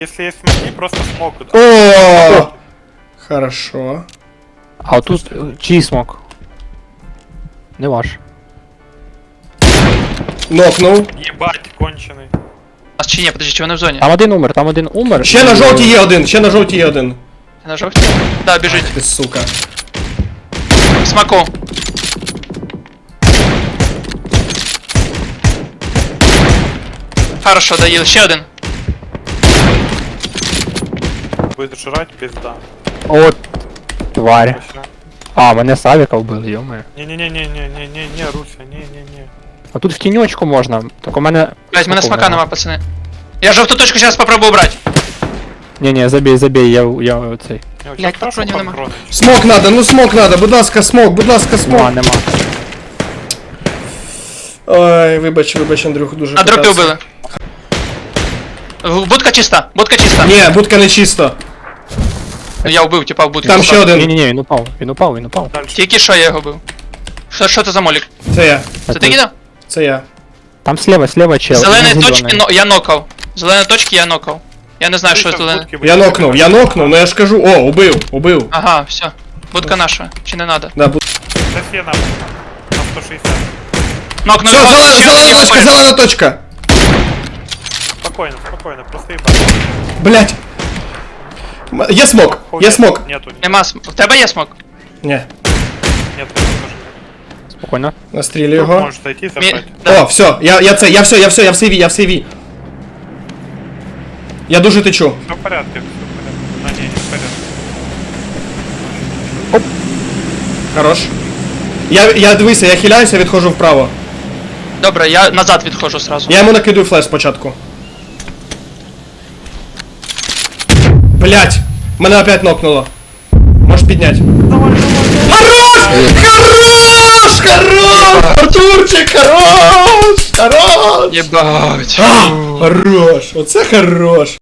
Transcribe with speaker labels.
Speaker 1: Если есть смоки, просто смог.
Speaker 2: О! Хорошо.
Speaker 3: А отут чий смок? Не ваш.
Speaker 2: Нокнув.
Speaker 1: Ебать, конченый.
Speaker 4: А чи ні, подожди, чи вони в зоні?
Speaker 3: Там один умер.
Speaker 2: Ще на жовтій є один, ще на жовтій є один.
Speaker 4: На жовтій? Да, біжить.
Speaker 2: Ти сука.
Speaker 4: Смаку. Хорошо, доїл. Ще один.
Speaker 1: Будет жрать, пизда.
Speaker 3: От, тварь.
Speaker 1: Вообще.
Speaker 3: А, мене Савіка вбили, йоме.
Speaker 1: Не-не-не-не-не-не-не, Руся, не-не-не.
Speaker 3: А тут в тіньочку можна, так у мене...
Speaker 4: Блять, мене
Speaker 3: смоку
Speaker 4: смака нема, пацани. Я жовту точку зараз попробую брати.
Speaker 3: Ні, забей, я цей.
Speaker 1: Я
Speaker 4: Блядь,
Speaker 1: прошу
Speaker 4: патронів нема.
Speaker 1: патроны.
Speaker 2: Смок надо, ну смок надо, будь ласка, смок.
Speaker 3: Нема.
Speaker 2: Ой, вибач, Андрюх, дуже
Speaker 4: На дропі
Speaker 2: питався.
Speaker 4: вбили. Будка чиста, будка чиста.
Speaker 2: Ні, будка не чисто.
Speaker 4: Я вбив, типа, в будку.
Speaker 2: Там ще один.
Speaker 3: Ні, він упав.
Speaker 1: Дальше.
Speaker 4: Тільки що я його бив. Що це за молік?
Speaker 2: Це я.
Speaker 4: Це ти кидав?
Speaker 2: Це я.
Speaker 3: Там слева чел.
Speaker 4: Зелені
Speaker 3: Він
Speaker 4: точки
Speaker 3: зелений.
Speaker 4: я нокав. Зелені точки я нокав. Я не знаю, що
Speaker 1: Руся в
Speaker 4: зелене.
Speaker 1: будке
Speaker 2: Я
Speaker 1: будет.
Speaker 2: нокнув, ну я ж кажу, о, убив.
Speaker 4: Ага, все. Будка наша. Чи не надо?
Speaker 2: Да,
Speaker 1: Сейчас я на 160.
Speaker 4: Нокнув.
Speaker 2: Все, зелена точка.
Speaker 1: Спокойно, спокойно, просто ебать.
Speaker 2: Блять. Є смок.
Speaker 1: Нету.
Speaker 4: Нема в тебе є смок?
Speaker 2: Ні,
Speaker 1: Нет, тоже нет.
Speaker 3: Спокійно.
Speaker 2: настрілю
Speaker 1: Тут
Speaker 2: його.
Speaker 1: можешь зайти и забрать.
Speaker 2: О, все, я в сейві. Я дуже течу.
Speaker 1: Все в порядке, все в порядке. А, не в порядке.
Speaker 2: Хорош. Я дивися, я хиляюся, відходжу вправо.
Speaker 4: Добре, я назад відходжу сразу.
Speaker 2: Я йому накидую флеш спочатку. Блять! Мене опять нокнуло. Можеш підняти. Хорош! Артурчик, хорош!
Speaker 4: Єбать.
Speaker 2: Хорош! Оце хорош!